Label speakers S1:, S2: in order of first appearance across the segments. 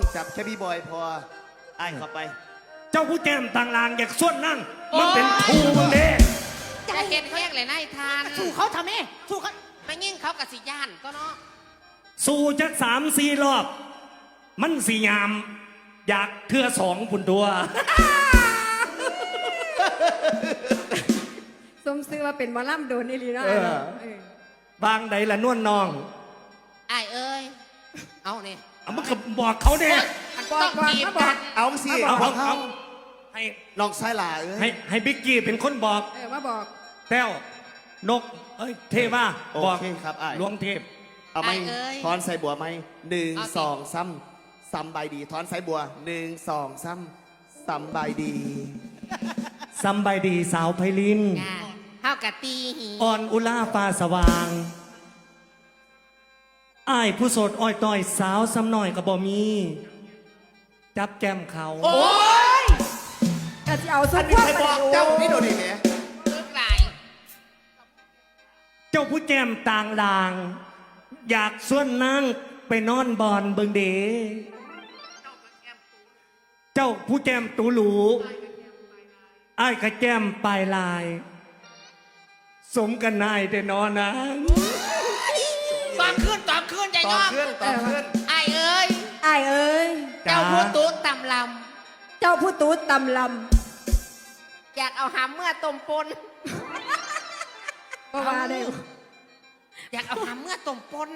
S1: จับแค่พี่บอยพอไอ้เข้าไป
S2: เจ้าผู้แจมต่างลางอยากส่วนนั่งมันเป็นครูมึงเด้
S3: จะเห็นแห้งเลยนายทาน
S4: สู้เขาทำไมสู้เขา
S3: ไม่ยิ่งเขากับสิย่านก็เนาะ
S2: สู่จัก3-4 รอบ มันสียามอยากเทื่อ2 พุ่นตัว
S5: สมซื้อว่าเป็นหมอลำโดนนี่ลีเนาะ
S2: บางใดละนวลน้อง
S3: ไอ้เอ้ยเอาเนี่ย
S2: เอามันก็บอกเขาเนี่ย
S3: ต้องจีบกัน
S1: เอาสิ
S2: เอาให้
S1: น้องชายหล่า
S2: ให้บิ๊กกี้เป็นคนบอก
S5: มาบอก
S2: แต้วนกเทว่า
S1: โอ
S2: บอก
S1: เคครับไอ้
S2: หลวงเทพ
S1: เอาไหมทอนใส่บัวไหม1 2 ซ้ำใบดีทอนใส่บัว1 2 ซ้ำใบดี
S2: ซัมบายดีสาวไพลิน
S3: งาเท่ากับตีหี
S2: อ่อนอุลาฟ้าสว่างอ้ายผู้โสดอ้อยต้อยสาวซ้ำหน่อยก็บ่มี จับแก้มเขา
S1: โอ้ย
S5: ก็จะเอาสุ
S1: อั
S5: ด
S1: นนี้ใครบอกเจ้านี่โดนดิแหม
S3: ลึกไหลาย
S2: เจ้าผู้แจมต่างลาง อยากส่วนนั่งไปนอนบอนเบิงเดเจ้าผู้แจมตูหลูอ้ายกระแจมปลายลาย สมกันนายแต่นอนนะ
S3: ตอนขึ้นใจ
S1: ต่
S3: ย
S1: อ
S3: อม
S1: ขึ้น
S3: ไอ้เอ้ย
S5: ไอ้เอ้ย
S3: เจ้าพูดตุ๊ดตำล
S5: เจ้าผู้ตูดตำล
S3: ำอยากเอาหำเมื่อต้มปน
S5: ำก็ว่าได้
S3: อยากเอาหำเมื่อต้มปน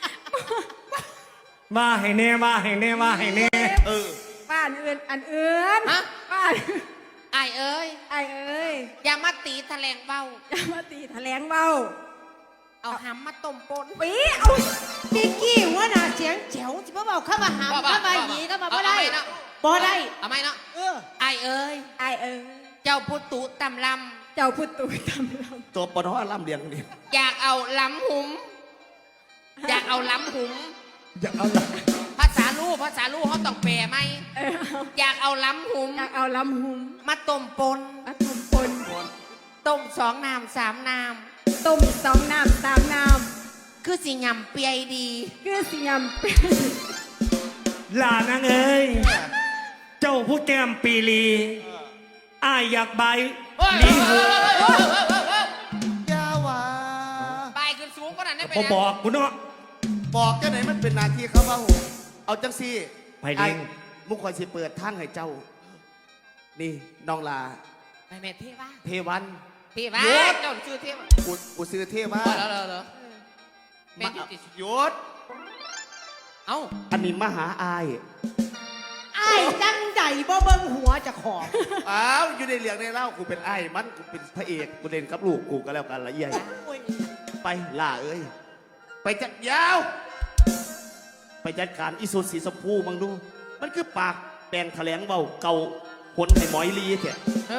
S2: ว่าให้แน่ว่าให้แน่ว่าให้แน่
S5: บ้านอื่นอันอื่น
S3: ฮะ
S5: บ้าน
S3: ไอ้เอ้ย
S5: ไอ้เอ้ย
S3: อย่ามาตีแถลงเบา
S5: อย่ามาตีแถลงเบา
S3: เอาหำมาต้มปน
S5: ปีเอา
S4: บิ๊กกี้หัวหน้าเสียงแจ๋วจะมาบอกเข้ามาหามเข้ามาหยีเข้ามาบ่ได้บ่ได้
S3: เอาไหมเนาะไอ้เอ้ย
S5: ไอ้เอ้ย
S3: เจ้าพูดตุ๊ดตำล
S5: เจ้าผู้ตูดตำล
S1: ตัวปนอล่ำเลียงนี่
S3: ำอยากเอาล้ำหุม อยากเอาล้ำหุม
S2: อย่าเอาละ
S3: ภาษาลูกเขาต้องแปลไหม อยากเอาล้ำหุม
S5: อยากเอาลำหุม
S3: มาต้มปน
S5: มาต้มปน
S3: ต้ม2 น้ำ3 น้
S5: ต้ม2 น้ำ3 น้
S3: ำคือสิยำเปียดี
S5: ำคือสิยำเป็น
S2: ลานางเอ้ย เจ้าผู้แก้มปีลีอ้ายอยากใบลีหู
S1: ยาวา
S3: ไปขึ้นสูงก็นั่นได้ไป
S2: พอบอกกูเนาะ
S1: บอกเจ้าไหนมันเป็นหนาทีเขาว่าโหเอาจังซี่
S2: ไพลิน
S1: มุกคอยสิเปิดทางให้เจ้า นี่น้องลา
S3: ไปแม่เทว่า
S1: เทวัน
S3: เทว่าเจ้าชื่อเทว่า
S1: กูซื้อเทว่า
S3: เหรอแม่ยุติ
S1: หยศ
S3: เอ้า
S1: อันนี้มหาอาย
S4: ไอ้จังใดบ่เบิ่งหัวจะขอบ
S1: อ้าวอยู่ในเรื่องในเล่ากูเป็นไอ้ายมันกูเป็นพระเอกกูเล่นกับลูกกูก็แล้วกันละเอียดไปล่าเอ้ยไปจัดยาว ไปจัดการอิสุสีสมพูมังดู มันคือปากแปลงแถลงเบาเกาหนให้หมอยลีเถอะ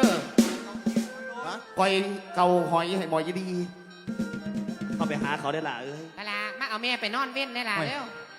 S1: ก่อยเกาหอยให้หมอยลีเข้าไปหาเขาได้ล่ะเอ้ย
S3: กะลามาเอาแม่ไปนอนเว้นได้ล่ะเร็ว